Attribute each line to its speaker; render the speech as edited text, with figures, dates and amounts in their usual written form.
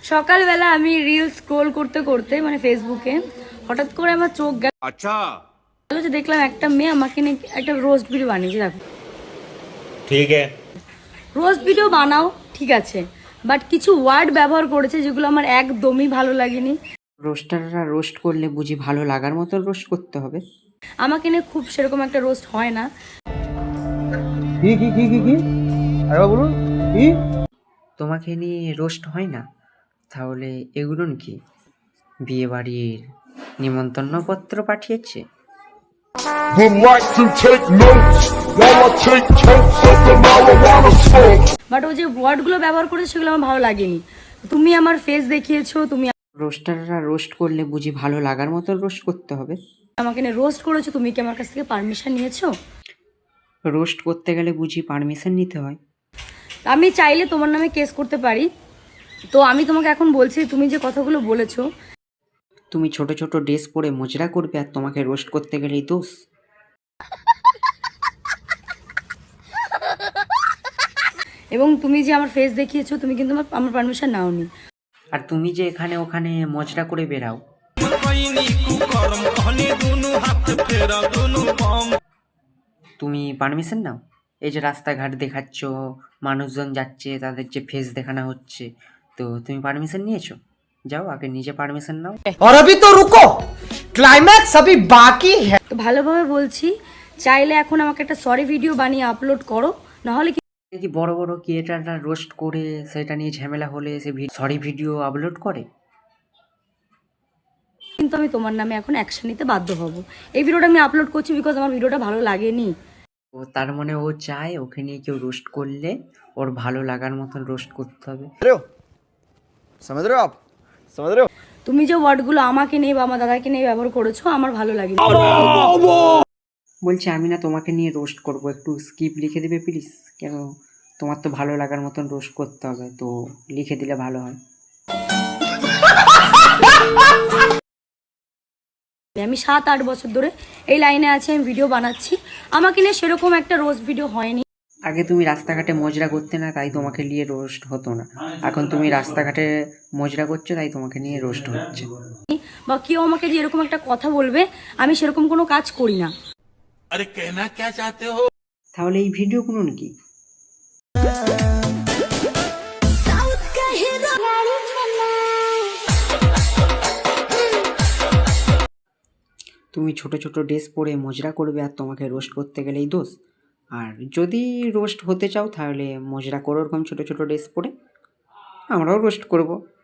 Speaker 1: সকালবেলা আমি reel scroll করতে করতে মানে ফেসবুকে হঠাৎ করে আমার চোখ গেল, আচ্ছা যে দেখলাম একটা মেয়ে আমাকে নিয়ে একটা রোস্ট ভিডিও বানিয়েছে। দেখো ঠিক আছে, রোস্ট ভিডিও বানাও ঠিক আছে, বাট কিছু ওয়ার্ড ব্যবহার করেছে যেগুলো আমার একদমই ভালো লাগেনি।
Speaker 2: রোস্টাররা রোস্ট করলে বুঝি ভালো লাগার মতো রোস্ট করতে হবে?
Speaker 1: আমাকে নিয়ে খুব সেরকম একটা রোস্ট হয় না।
Speaker 3: কি কি কি কি কি আরে বলুন কি?
Speaker 2: তোমাকে নিয়ে রোস্ট হয় না? তাহলে এগুলো কি বিয়ে বাড়ির নিমন্ত্রণপত্র পাঠিয়েছে?
Speaker 1: বাট ও যে ওয়ার্ডগুলো ব্যবহার করেছে সেগুলো আমার ভালো লাগেনি। তুমি আমার ফেস দেখিয়েছো, তুমি
Speaker 2: রোস্টাররা রোস্ট করলে বুঝি ভালো লাগার মতো রোস্ট করতে হবে?
Speaker 1: আমাকে নিয়ে রোস্ট করেছো, তুমি কি আমার কাছ থেকে পারমিশন নিয়েছো?
Speaker 2: রোস্ট করতে গেলে বুঝি পারমিশন নিতে হয়?
Speaker 1: আমি চাইলে তোমার নামে কেস করতে পারি। তো আমি তোমাকে এখন বলছি, তুমি যে কথাগুলো বলেছো,
Speaker 2: তুমি ছোট ছোট ড্রেস পরে মজরা করবে আর তোমাকে রোস্ট করতে গেলেই দোষ?
Speaker 1: এবং তুমি যে আমার ফেস দেখিয়েছো, তুমি কিন্তু আমার পারমিশন নাওনি।
Speaker 2: আর তুমি যে এখানে ওখানে মজরা করে বেরাও, তুমি পারমিশন নাও? এই যে রাস্তাঘাট দেখাচ্ছ, মানুষজন যাচ্ছে, তাদের যে ফেস দেখানো হচ্ছে, তো তুমি পারমিশন নিয়েছো? যাও আগে নিজে পারমিশন নাও।
Speaker 3: और अभी तो रुको, क्लाइमैक्स अभी बाकी है।
Speaker 1: তো ভালোভাবে বলছি, চাইলে এখন আমাকে একটা সরি ভিডিও বানিয়ে আপলোড করো, নাহলে
Speaker 2: কি বড় বড় ক্রিয়েটাররা রোস্ট করে সেটা নিয়ে ঝামেলা হলে সে সরি ভিডিও আপলোড করে?
Speaker 1: কিন্তু আমি তোমার নামে এখন অ্যাকশন নিতে বাধ্য হব। এই ভিডিওটা আমি আপলোড করছি বিকজ আমার ভিডিওটা ভালো লাগেনি।
Speaker 2: ও তার মানে ও চায় ওকে নিয়ে কেউ রোস্ট করলে ওর ভালো লাগার মতন রোস্ট করতে হবে।
Speaker 3: समझ रहे हो आप? समझ रहे हो?
Speaker 1: তুমি যে ওয়ার্ডগুলো আমাকে নিয়ে বা আমার দাদাকে নিয়ে ব্যবহার করেছো আমার ভালো লাগেনি।
Speaker 2: বলছি আমি না তোমাকে নিয়ে রোস্ট করব, একটু স্কিপ লিখে দিবে প্লিজ? কেন, তোমার তো ভালো লাগার মতন রোস্ট করতে হবে, তো লিখে দিলে ভালো হয়।
Speaker 1: আমি 7-8 বছর ধরে এই লাইনে আছি, আমি ভিডিও বানাচ্ছি, আমাকে নিয়ে সেরকম একটা রোস্ট ভিডিও হয়নি।
Speaker 2: আগে তুমি রাস্তাঘাটে মজরা করতে না, তাই তোমাকে নিয়ে রোস্ট হতো না। এখন তুমি রাস্তাঘাটে মজরা করছো, তাই তোমাকে নিয়ে রোস্ট হচ্ছে।
Speaker 1: বা কেউ আমাকে যে এরকম একটা কথা বলবে, আমি সেরকম কোনো কাজ করি না।
Speaker 4: अरे कहना क्या चाहते हो?
Speaker 2: তাহলে এই ভিডিওগুলো নাকি? তুমি ছোট ছোট ড্রেস পরে মজরা করবে আর তোমাকে রোস্ট করতে গেলেই দোষ? আর যদি রোস্ট হতে চাও তাহলে মজরা করো ওরকম ছোট ছোট ড্রেস পরে, আমরাও রোস্ট করব।